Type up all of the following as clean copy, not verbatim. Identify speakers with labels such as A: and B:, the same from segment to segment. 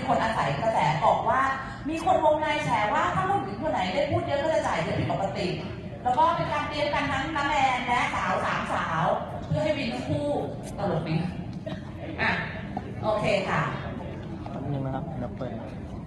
A: คนอาศัยกระแสบอกว่ามีคนวงในแฉว่าถ้าผู้หญิงคนไหนได้พูดเยอะก็จะจ่ายเยอะผิดปกติแล้วก็เป็นการเตรียมกันทั้งน้าแมนและสาว3 สาวเพื่อให้วินทั้งคู่ตลกดีอ่ะโอเคค่ะ
B: นี่นะครับเดี๋ยวเปิด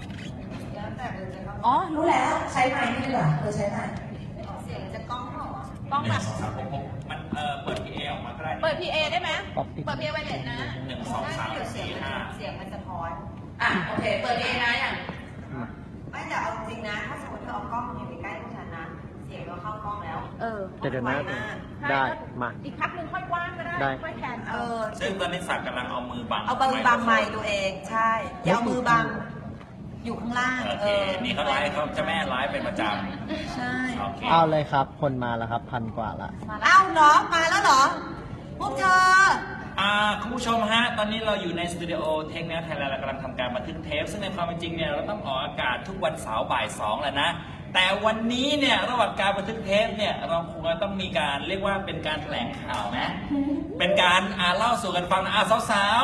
A: อ๋อรู้แล้วใช้ไมค์นี่ดีกว่าใช้ไมค์
C: เสียงจะกล้องเหรอ
D: ต้องแบบมันเปิด PA ออกมาก็ได้
C: เปิด PA ได้ไหมเปิด PA ไว้เลยนะ
D: 1 2 3 4 5
C: เสียงมันสะท้อน
A: โอเคเปิด PA นะอย่าง
C: ไม่แต่เอาจริงนะถ้าสมมติเธอเอากล้องอยู่ใกล้พวกฉันนะเสียงเราเข้ากล้องแล้ว
B: เดี๋ยวนะได้มา
C: อีกพักหนึ่งค่อยกว้างก็ได้ค่อยแขน
D: ซึ่งตอนนี้สักกำลังเอามือบัง
C: ไมค์ตัวเองใช่อย่าเอามือบังอยู่ข้างล่าง
D: โอเคนี่เขาไลฟ์เขาจะแม่ไลฟ์เป็นประจ
C: ำใช่
B: เอาเลยครับคนมาแล้วครับ1,000 กว่าละ
C: เอ้าเหรอมาแล้วเหรอพวกเธอ
D: คุณผู้ชมฮะตอนนี้เราอยู่ในสตูดิโอเทคแนวไทยแลนด์เรากำลังทำการบันทึกเทปซึ่งในความเป็นจริงเนี่ยเราต้องออกอากาศทุกวันเสาร์บ่าย 2แล้วนะแต่วันนี้เนี่ยระหว่างการบันทึกเทปเนี่ยเราคงต้องมีการเรียกว่าเป็นการแถลงข่าวไหมเป็นการเล่าสู่กันฟังนะสาว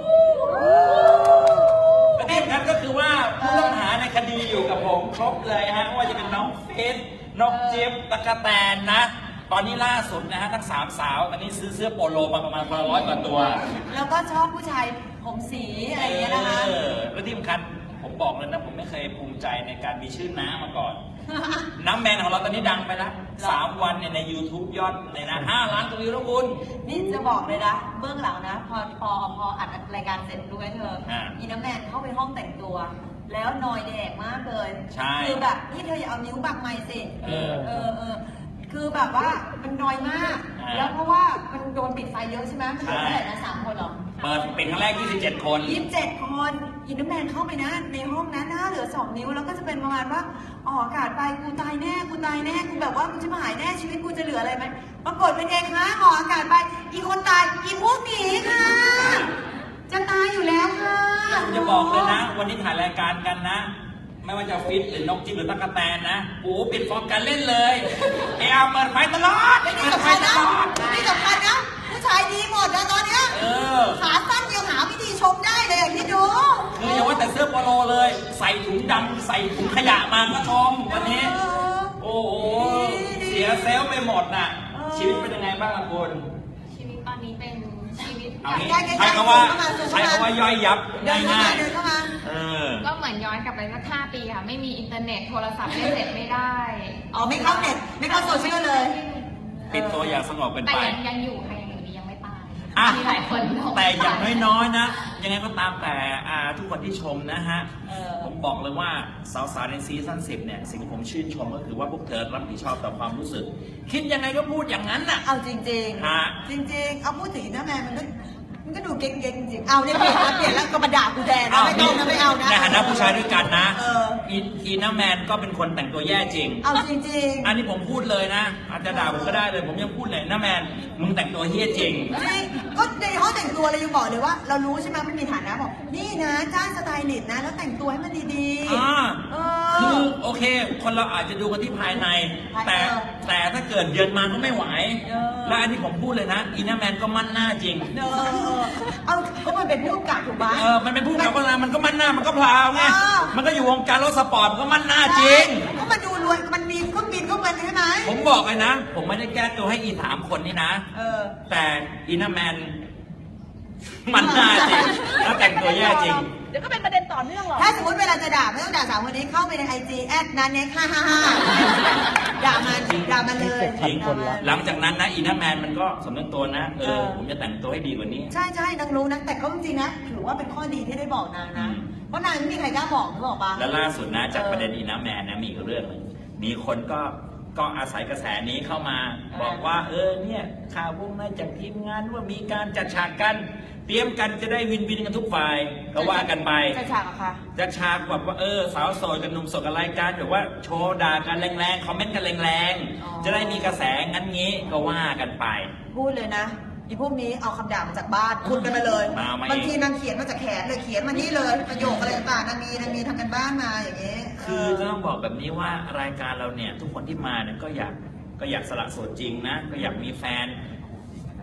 D: ๆประเด็นนั้นก็คือว่าผู้ต้องหาในคดีอยู่กับผมครบเลยฮะว่าจะเป็นน้องเฟสน้องเจี๊ยบตะกะแตนนะตอนนี้ล่าสุดนะฮะทั้ง3 สาวตอนนี้ซื้อเสื้อโปโลมาประมาณ100 กว่าตัว
C: แล้วก็ชอบผู้ชายผมสีอะไรอย่างเงี้ยนะคะ
D: แล้วที่สำคัญผมบอกเลยนะผมไม่เคยภูมิใจในการมีชื่อน้ามาก่อน น้ำแมนของเราตอนนี้ดังไปแล้ว3 วันใน YouTube ยอดเลยนะ5 ล้านวิวแล้วคุณ
C: นี่จะบอกเลยนะเบื้องหลังนะพออัดรายการเสร็จด้วยเธออีน้ำแมนเข้าไปห้องแต่งตัวแล้วนอยแดกมากเลยคือแบบนี่เธออย่าเอานิ้วบังไม้สิคือแบบว่ามันน้อยมากแล้วเพราะว่ามันโดนปิดไฟเยอะใช่ไหมมันเหลือเท่าไหร่นะ3 คนหรอ
D: เปิดเป็นครั้งแรก27 คน
C: อินเดอร์แมนเข้าไปนะในห้องนั้นหน้าเหลือ2 นิ้วแล้วก็จะเป็นประมาณว่าออกอากาศไปกูตายแน่กูแบบว่ากูจะมาหายแน่ชีวิตกูจะเหลืออะไรไหมปรากฏเป็นเองคะออกอากาศไปอีคนตายอีพวกหนีค่ะจะตายอยู่แล้วค่ะ
D: จะบอกเลยนะวันนี้ถ่ายรายการกันนะไม่ว่าจะฟิตหรือนกจิ๊บหรือตะกะแตนนะโอ้ปิดฟอร์มการเล่นเลยเปิดไฟตลอด
C: นี่สำคัญนะผู้ชายดีหมดนะตอนเนี้ยขาสั้นยังหาวิธีชมได้เลยอย่างที่ดู
D: คืออย่าว่าแต่เสื้อโปโลเลยใส่ถุงดำใส่ถุงขยะมาก็ชมวันนี้โอ้โหเสียเซลล์ไปหมดน่ะชีวิตเป็นยังไงบ้างล่ะคุณ
E: ชีวิตตอนนี้เป็นชีวิต
D: ใช้คำว่าย่อยยับง่าย
E: ๆก็เหมือนย้อนกลับไปสัก5 ปีค่ะไม่มีอินเทอร์เน็ตโทรศัพท์เน็ตไม่ได้
C: ไม่เข้าเน็ตไม่เข้าโซเชียลเลย
D: ปิดตัวอย่างสงบเป็นไป
E: แต่ยังอยู่ค่ะยังอยู่ดียังไม่ตายมีหลายคน
D: แต่อย่างน้อยๆนะยังไงก็ตามแต่ทุกคนที่ชมนะฮะผมบอกเลยว่าสาวๆในซีซั่น10เนี่ยสิ่งที่ผมชื่นชมก็คือว่าพวกเธอรับผิดชอบต่อความรู้สึกคิดยังไงก็พูดอย่างนั้นน่ะ
C: เอาจริงๆจริงๆเอาพูดถึงนะแม่มันก็ดูเก่งๆจริงเอาเนี่ยเปลี่ยนแล้วก็มาด่ากูแทนนะไม่ต้องนะไม่เอานะ
D: ในฐานะผู้ชายด้วยกันนะอีน่าแมนก็เป็นคนแต่งตัวแย่จริง
C: เอาจริง
D: ๆอันนี้ผมพูดเลยนะอาจจะด่าผมก็ได้เลยผมยังพูดเลยน่าแมนมึงแต่งตัวเฮี้ยจริง
C: ก็ในห้องแต่งตัวเรายังบอกเลยว่าเรารู้ใช่ไหมมันมีฐานะบอกนี่นะจ้างสไตลิสต์นะแล้วแต่งตัวให้มันดี
D: ๆคือโอเคคนเราอาจจะดูกันที่ภายในแต่ถ้าเกิดเยินมาก็ไม่ไหวและอันนี้ผมพูดเลยนะอีน่าแมนก็มั่นหน้าจริง
C: เอาก็มันเป็นผู้กำกับถูกไหม
D: มันเป็นผู้กำกับเวลามันก็มั่นหน้ามันก็พลาวไงมันก็อยู่วงการรถสปอร์ตก็มั่นหน้าจริง
C: ก็มันดูรวยมันมีเครื่องบินก็มันใช่ไหม
D: ผมบอกเลยนะผมไม่ได้แก้ตัวให้อี3 คนนี่นะแต่อีน่าแมนมันหน้าจริงแล้วแต่งตัวแย่จริง
C: เดี๋ยวก็เป็นประเด็นต่อเนื่องหรอถ้าสมมติเวลาจะด่าไม่ต้องด่า3 คนนี้เข้าไปในIG @nanek555ด่ามันเลย
D: หลังจากนั้นนะอีน่าแมนมันก็สำนึกตัวนะผมจะแต่งตัวให้ดีกว่านี้
C: ใช่นางรู้นะแต่ก็จริงๆนะถือว่าเป็นข้อดีที่ได้บอกนางนะเพราะนางไม่มีใครกล้าบอกนึกออกปะ
D: แล้วล่าสุดนะจากประเด็นอีน่าแมนนะมีเรื่องนึงมีคนก็อาศัยกระแสนี้เข้ามาบอกว่าเนี่ยข่าววงในจากทีมงานว่ามีการจัดฉากกันเตรียมกันจะได้วินกันทุกฝ่ายก็ว่ากันไป
C: จัดฉากอะค่ะ
D: จัดฉากแบบว่าสาวโสดกับหนุ่มโสดกับรายการแบบว่าโชว์ด่ากันแรงๆคอมเมนต์กันแรงๆจะได้มีกระแสงั้นงี้ก็ว่ากันไป
C: พูดเลยนะอีพวกนี้เอาคำด่ามาจากบ้านคุณกันมาเลยบางทีนางเขียนมาจากแขนเลยเขียนมานี่เลยประโยคอะไรต่างๆนางมีทำกันบ้านมาอย่างเงี้ย
D: คือต้องบอกแบบนี้ว่ารายการเราเนี่ยทุกคนที่มาเนี่ยก็อยากสละโสดจริงนะก็อยากมีแฟน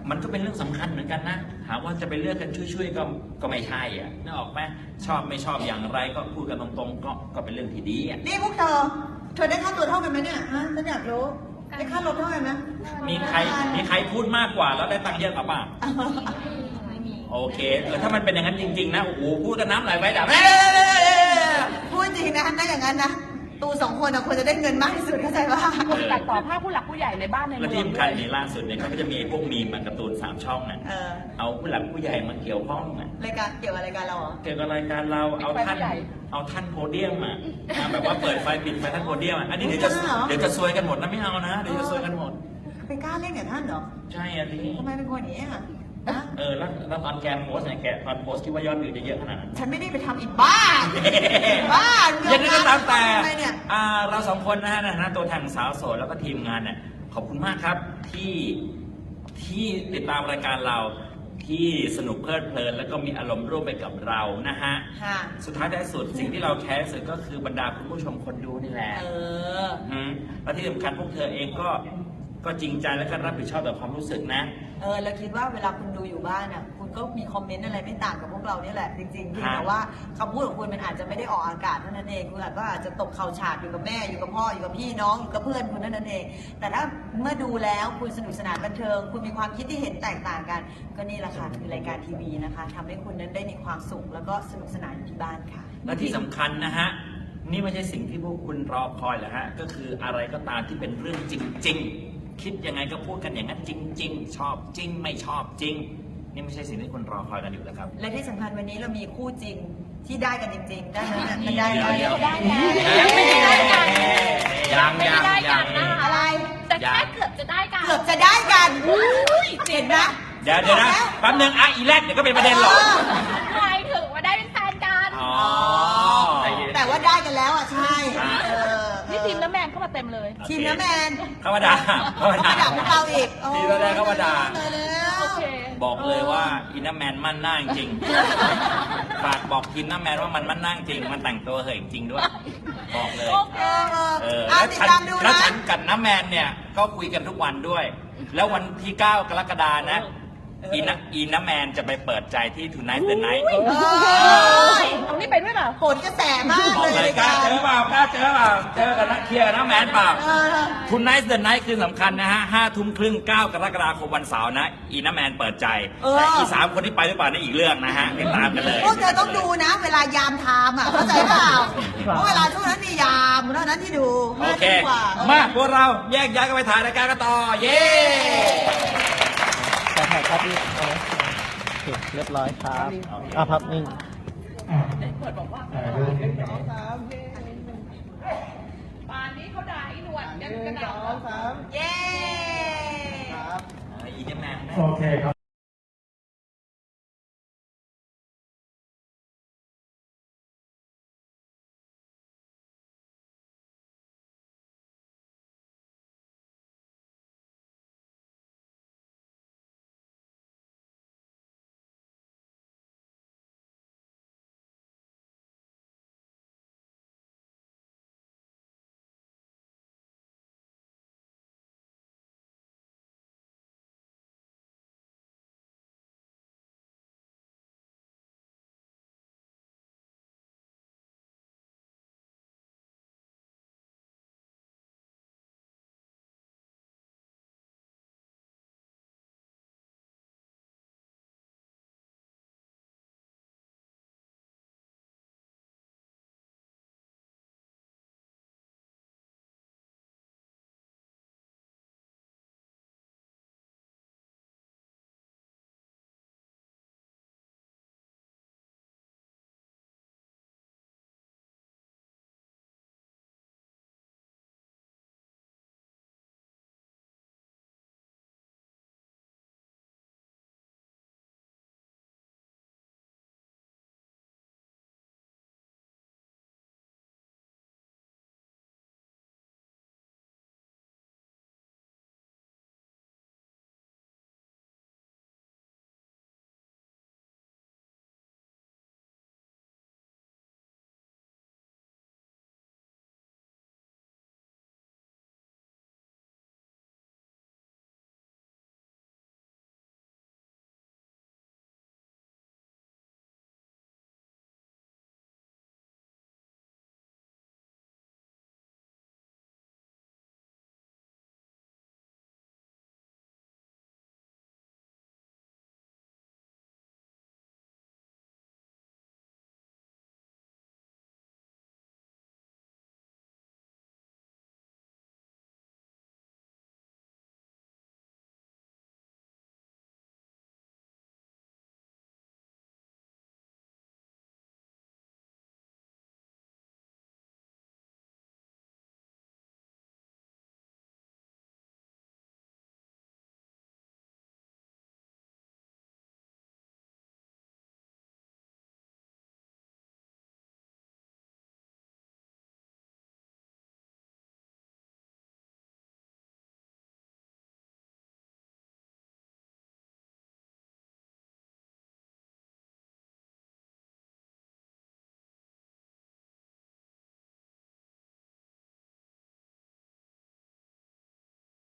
D: มันก็เป็นเรื่องสำคัญเหมือนกันนะถามว่าจะไปเลือกกันช่วยๆก็ไม่ใช่อ่ะนึกออกไหมชอบไม่ชอบอย่างไรก็พูดกันตรงๆก็เป็นเรื่องที่ดีอ่ะ
C: นี่พวกเธอได้ค่าตัวเท่ากันไหมเนี่ยฮะฉันอยากรู้ได้ค่ารถเท่ากันไหม
D: มีใครพูดมากกว่าแล้วได้ตังค์เยอะกว่าป่ะ
E: ไม่มี
D: โอเคถ้ามันเป็นอย่างนั้นจริงๆนะโอ้โหพูดกันน้ำไหลไปดับ
C: พูดจริงนะถ้าอย่างนั้นนะตูสองคนควรจะได้เงินมากที่สุดเข้าใจป่ะ
A: ตัดต่อภาพผู้หลักผู้ใหญ่ในบ้านใน
D: และ
A: เมื
D: ที่
A: อง
D: สำคัญในล่าสุดเนี่ยเขาก็จะมีพวกมีมการ์ตูน3 ช่องน่ะ เอาผู้หลักผู้ใหญ่มาเกี่ยวข้องอ่ะ
C: รายการเกี่ยวกับรายการเราเหรอ
D: เกี่ยวกับรายการเราเอาท่านโพเดียมอ่ะแบบว่าเปิดไฟปิดไฟท่านโพเดียมอ่ะอันนี้เดี๋ยวจะซวยกันหมดนะไม่เอานะเดี๋ยวจะซวยกันหมด
C: ไปกล้าเล่นกับท่านเหรอ
D: ใช่อ่ะดิ
C: ทำไมเป็นคนอย่างนี้อ่ะ
D: แล้วตอนแกโพสเนี่ยแกตอนโพสคิดว่ายอดวิวจะเยอะขนาดนั้น
C: ฉันไม่ได้ไปทำอีกบ้าบ้า
D: ยังไงก็ตามแต่
C: ทำไมเนี่ย
D: เรา2 คนนะฮะในฐานะตัวแทนสาวโสดแล้วก็ทีมงานเนี่ยขอบคุณมากครับที่ติดตามรายการเราที่สนุกเพลิดเพลินแล้วก็มีอารมณ์ร่วมไปกับเรานะฮะ
C: ค่ะ
D: สุดท้ายท้ายสุดสิ่งที่เราแคร์ที่สุดก็คือบรรดาคุณผู้ชมคนดูนี่แหละ และที่สำคัญพวกเธอเองก็จริงใจและก็รับผิดชอบต่อความรู้สึกนะ
C: แล้วคิดว่าเวลาคุณดูอยู่บ้านอ่ะคุณก็มีคอมเมนต์อะไรไม่ต่างกับพวกเรานี่แหละจริงๆที่แต่ว่าคำพูดของคุณมันอาจจะไม่ได้ออกอากาศเท่านั้นเองคุณอาจจะตกเข่าฉาดอยู่กับแม่อยู่กับพ่ออยู่กับพี่น้องอยู่กับเพื่อนคุณเท่านั้นเองแต่ถ้าเมื่อดูแล้วคุณสนุกสนานบันเทิงคุณมีความคิดที่เห็นแตกต่างกันก็นี่แหละค่ะคือรายการทีวีนะคะทำให้คุณนั้นได้มีความสุขแล้วก็สนุกสนานอยู่ที่บ้านค่ะ
D: และที่สำคัญนะฮะนี่ไม่ใช่สิ่งที่พวกคุณรอคอยเหรอฮะก็คืออะไรก็ตามที่เป็นเรื่องจริง ๆ คิดยังไงก็พูดกันอย่างนั้นจริง ๆ ชอบจริงไม่ชอบจริงนี่ไม่ใช่สิ่งที่คุณรอคอยกันอยู่แล้วครับ
C: และที่สำคัญวันนี้เรามีคู่จริงที่ได้กันจริงๆได้ไหมมันได้
D: เดี๋ยว
C: ได้
E: ยังไม่ได้กัน
D: ยัง
E: ไม่ได้กันนะคะ
C: อะไร
E: แต่แค่เกือบจะได้กัน
C: เกือบจะได้กันเห็นไหม
D: เดี๋ยวนะแป๊บนึงอีแรกเดี๋ยวก็เป็นประเด็นหรอก
E: หมายถึงว่าได้เป็นแฟนกัน
D: อ๋อ
C: แต่ว่าได้กันแล้วอ่ะใช่
A: นี่ทีมน้ำแมนเข้ามาเต็มเลย
C: ทีมน้ำแมน
D: เข้ามาด่า
C: เขามาด่าพวกเราอีก
D: ทีมน้ำแมนเข้ามาด่า
A: โอเค
D: บอกเลยว่าอินน้ำแมนมั่นหน้าจริงฝากบอกทีมน้ำแมนว่ามันมั่นหน้าจริงมันแต่งตัวเหยจริงด้วยบอกเลย
C: ติดตามดู
D: แล้ว
C: นะ
D: ฉันกับน้ำแมนเนี่ยก็คุยกันทุกวันด้วย แล้ววันที่ 9 กรกฎานะอีน้ำแมนจะไปเปิดใจที่ Tonight the Night
A: เอานี่ไปด้วยเปล่า
C: โหนกระแสมาก
D: บอก
C: เล
D: เลย ยกล้าเจอเปล่ากล้าเจอเปล่าเจอกันนะเคลียร์กับน้ำแมนเปล่า Tonight the Night คือสำคัญนะฮะ 5:30 9 กรกฎาคมวันเสาร์นะอีน้ำแมนเปิดใจแต่อี3 คนที่ไปหรือเปล่านี่อีกเรื่องนะฮะติดตามกันเลย
C: พวกเธอต้องดูนะ เวลายามไทม์อ่ะเข้าใจเปล่าเพราะเวลาช่วงนั้นมียามเท่านั้นที่ดู
D: โอเค
C: กว่า
D: มาพวกเราแยกย้ายกันไปถ่ายรายการกันต่อ เย้
B: ถ่ายภาพนี่โอเคเรียบร้อยครับภาพนิ่ง
A: ป่านนี้เขาด่าไอ้หนวดยังกระดาษ
C: เย้
D: อีน้ำแมน
F: โอเคครับ